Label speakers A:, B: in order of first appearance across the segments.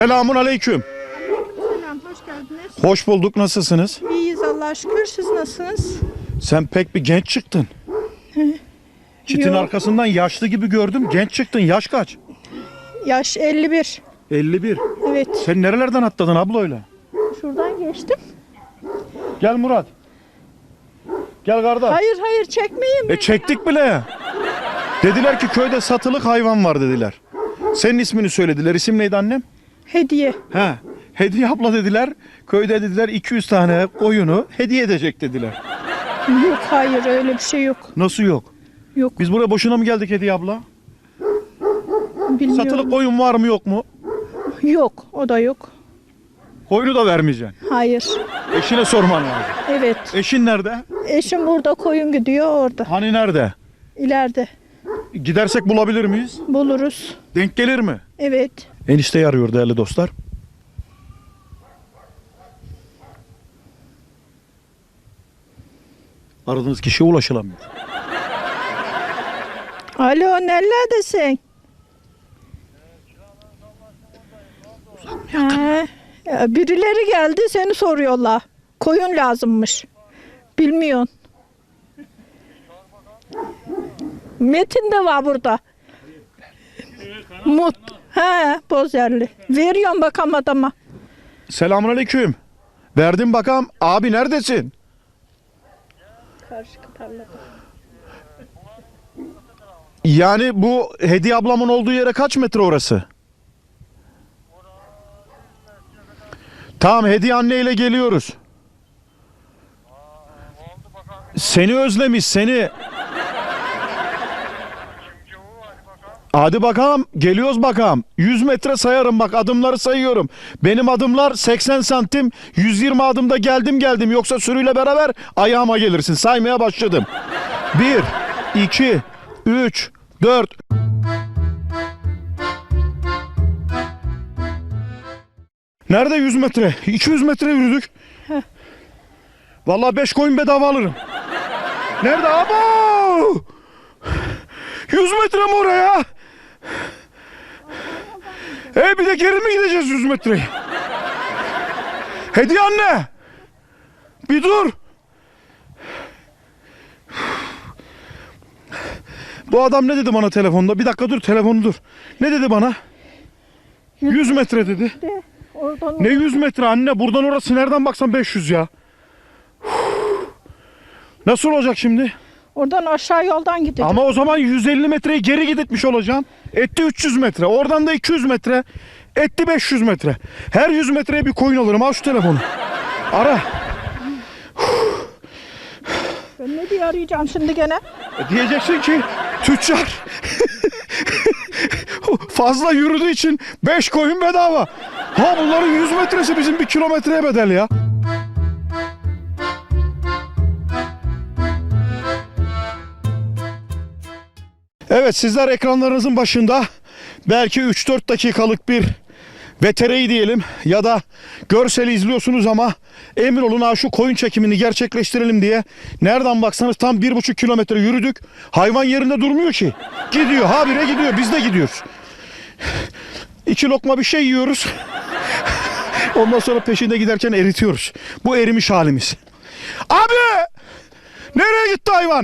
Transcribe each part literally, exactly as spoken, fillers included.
A: Selamun aleyküm.
B: Selam, hoş geldiniz.
A: Hoş bulduk. Nasılsınız?
B: İyiyiz Allah'a şükür. Siz nasılsınız?
A: Sen pek bir genç çıktın. Çitin
B: Yok.
A: arkasından yaşlı gibi gördüm. Genç çıktın. Yaş kaç?
B: Yaş elli bir.
A: elli bir.
B: Evet.
A: Sen nerelerden atladın abla öyle?
B: Şuradan geçtim.
A: Gel Murat. Gel kardeş.
B: Hayır hayır çekmeyin
A: E
B: beni.
A: çektik bile. Dediler ki köyde satılık hayvan var dediler. Senin ismini söylediler. İsim neydi annem?
B: Hediye.
A: He. Hediye abla dediler. Köyde dediler iki yüz tane koyunu hediye edecek dediler.
B: Yok hayır öyle bir şey yok.
A: Nasıl yok?
B: Yok
A: Biz buraya boşuna mı geldik Hediye abla?
B: bilmiyorum.
A: Satılık koyun var mı yok mu?
B: Yok o da yok.
A: Koyunu da vermeyeceksin.
B: Hayır.
A: Eşine sorman lazım.
B: Evet.
A: Eşin nerede?
B: Eşim burada koyun gidiyor orada.
A: Hani nerede?
B: İleride.
A: Gidersek bulabilir miyiz?
B: Buluruz.
A: Denk gelir mi?
B: Evet.
A: Enişteyi arıyor değerli dostlar. Aradığınız kişiye ulaşılamıyor.
B: Alo nerelerdesin? Ha, ya birileri geldi seni soruyorlar. Koyun lazımmış. Bilmiyorsun. Metin de var burada. Mut. He, Bozerli. Veriyorum bakalım adama.
A: Selamünaleyküm. Verdim bakalım. Abi neredesin?
B: Karşı tarlada.
A: Yani bu Hediye ablamın olduğu yere kaç metre orası? Tamam, Hediye anneyle geliyoruz. Seni özlemiş seni. Hadi bakalım, geliyoruz bakalım. yüz metre sayarım bak, adımları sayıyorum. Benim adımlar seksen santim, yüz yirmi adımda geldim geldim. Yoksa sürüyle beraber ayağıma gelirsin. Saymaya başladım. bir, iki, üç, dört. Nerede yüz metre? iki yüz metre yürüdük. Vallahi beş koyun bedava alırım. Nerede? Abo! yüz metre mi oraya? E bir de geri mi gideceğiz yüz metreyi? Hediye anne! Bir dur! Bu adam ne dedi bana telefonda? Bir dakika dur, telefonu dur. Ne dedi bana? yüz metre dedi.
B: De, oradan
A: Ne yüz metre anne? Buradan orası nereden baksan beş yüz ya. Nasıl olacak şimdi?
B: Oradan aşağı yoldan gidecek.
A: Ama o zaman yüz elli metreyi geri gitmiş olacaksın. Etti üç yüz metre. Oradan da iki yüz metre. Etti beş yüz metre. Her yüz metreye bir koyun alırım. Al şu telefonu. Ara.
B: Ben ne diye arayacağım şimdi gene?
A: E diyeceksin ki tüccar fazla yürüdüğü için beş koyun bedava. Ha bunların yüz metresi bizim bir kilometreye bedel ya. Evet, sizler ekranlarınızın başında belki üç dört dakikalık bir V T R'yi diyelim ya da görseli izliyorsunuz ama emin olun ha şu koyun çekimini gerçekleştirelim diye nereden baksanız tam bir buçuk kilometre yürüdük. Hayvan yerinde durmuyor ki. Gidiyor, habire gidiyor, biz de gidiyoruz. İki lokma bir şey yiyoruz. Ondan sonra peşinde giderken eritiyoruz. Bu erimiş halimiz. Abi! Nereye gitti hayvan?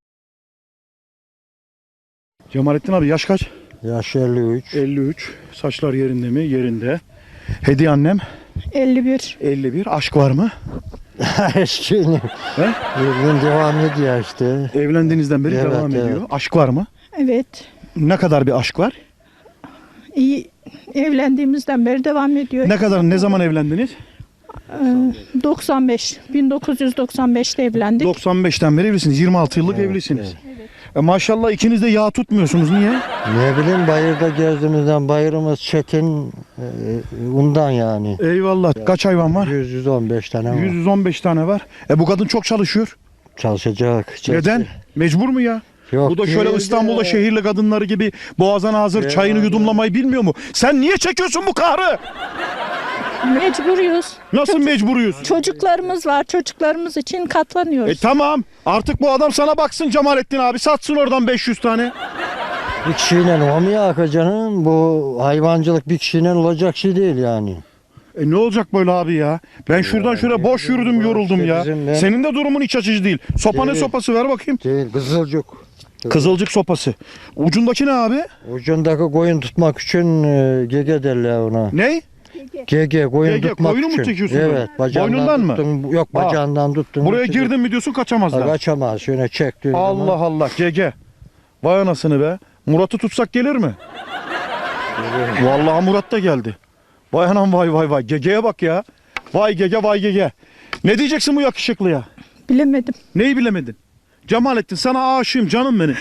A: Cemalettin abi yaş kaç?
C: Yaş elli üç.
A: elli üç. Saçlar yerinde mi? Yerinde. Hediye annem?
B: elli bir.
A: elli bir. Aşk var mı?
C: Eşkini.
A: He?
C: Evlen devam ediyor işte.
A: Evlendiğinizden beri
C: Evet,
A: devam
C: evet.
A: ediyor. Aşk var mı?
B: Evet.
A: Ne kadar bir aşk var?
B: İyi. Evlendiğimizden beri devam ediyor.
A: Ne kadar, ne zaman evlendiniz?
B: Ee, doksan beş. bin dokuz yüz doksan beşte evlendik.
A: doksan beşten beri evlisiniz. yirmi altı yıllık
C: Evet,
A: evlisiniz. E maşallah ikiniz de yağ tutmuyorsunuz. Niye?
C: Ne bileyim bayırda gezdiğimizden bayırımız çetin e, ondan yani.
A: Eyvallah. Kaç hayvan var?
C: yüz yüz on beş tane var.
A: yüz on beş tane var. E bu kadın çok çalışıyor.
C: Çalışacak.
A: Neden? Mecbur mu ya?
C: Yok,
A: Bu da şöyle
C: değil
A: İstanbul'da
C: de.
A: şehirli kadınları gibi boğazına hazır
C: Evet,
A: çayını
C: abi.
A: yudumlamayı bilmiyor mu? Sen niye çekiyorsun bu kahrı?
B: Mecburuyuz.
A: Nasıl mecburuyuz?
B: Çocuklarımız var. Çocuklarımız için katlanıyoruz.
A: E tamam. Artık bu adam sana baksın Cemalettin abi. Satsın oradan beş yüz tane.
C: Bir kişiyle olmuyor Hakan canım. Bu hayvancılık bir kişiyle olacak şey değil yani.
A: E ne olacak böyle abi ya? Ben şuradan şuraya boş yürüdüm, yoruldum
C: işte
A: ya.
C: bizim ben-
A: Senin de durumun iç açıcı değil. Sopa ne
C: Değil.
A: sopası, ver bakayım.
C: Değil, kızılcık.
A: Kızılcık sopası. Ucundaki ne abi?
C: Ucundaki koyun tutmak için e, gege derler ona.
A: Ne?
C: Gege, koyun
A: Gege,
C: tutmak
A: koyunu mu
C: için.
A: çekiyorsun
C: Evet,
A: böyle?
C: bacağından
A: Boynundan mı?
C: tuttun, yok
A: Ha.
C: bacağından tuttun.
A: Buraya
C: tuttun.
A: girdin mi diyorsun, kaçamazlar.
C: Ha, kaçamaz. Şöyle çektiğin
A: Allah
C: zaman.
A: Allah, Gege. Vay anasını be. Murat'ı tutsak gelir mi? Vallahi Murat da geldi. Vay anam, vay vay vay. Gege'ye bak ya. Vay Gege, vay Gege. Ne diyeceksin bu yakışıklıya?
B: Bilemedim.
A: Neyi bilemedin? Cemalettin, sana aşığım canım benim.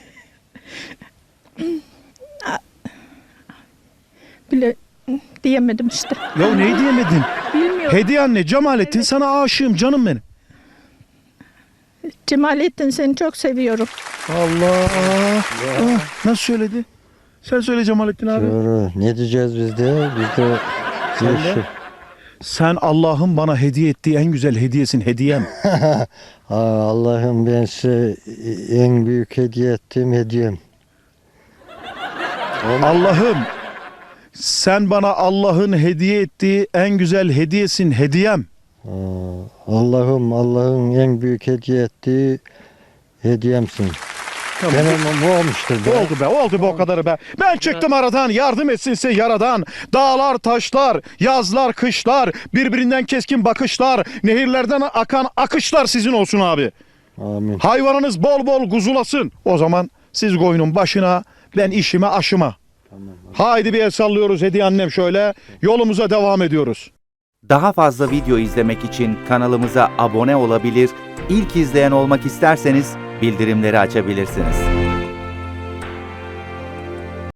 B: Bile diyemedim işte.
A: Ya neyi diyemedin?
B: Bilmiyorum.
A: Hediye anne, Cemalettin, sana aşığım canım benim.
B: Cemalettin, seni çok seviyorum.
A: Allah. Ah, nasıl söyledi? Sen söyle Cemalettin abi.
C: Doğru. Ne diyeceğiz biz de? Biz de
A: Sen de?
C: Yeşil.
A: Sen Allah'ın bana hediye ettiği en güzel hediyesin, hediyem.
C: Aa, Allah'ım, ben size en büyük hediye ettiğim hediyem.
A: Allah'ım, sen bana Allah'ın hediye ettiği en güzel hediyesin, hediyem.
C: Aa, Allah'ım, Allah'ın en büyük hediye ettiği hediyemsin.
A: Tamam.
C: Benim bu olmuştur. be.
A: Oldu be, oldu be o kadarı be. Ben çıktım aradan, yardım etsinse yaradan. Dağlar, taşlar, yazlar, kışlar, birbirinden keskin bakışlar, nehirlerden akan akışlar sizin olsun abi.
C: Amin.
A: Hayvanınız bol bol kuzulasın. O zaman siz koyunun başına, ben işime aşıma.
C: Tamam.
A: Haydi bir el sallıyoruz Hediye annem şöyle. Yolumuza devam ediyoruz.
D: Daha fazla video izlemek için kanalımıza abone olabilir, ilk izleyen olmak isterseniz bildirimleri açabilirsiniz.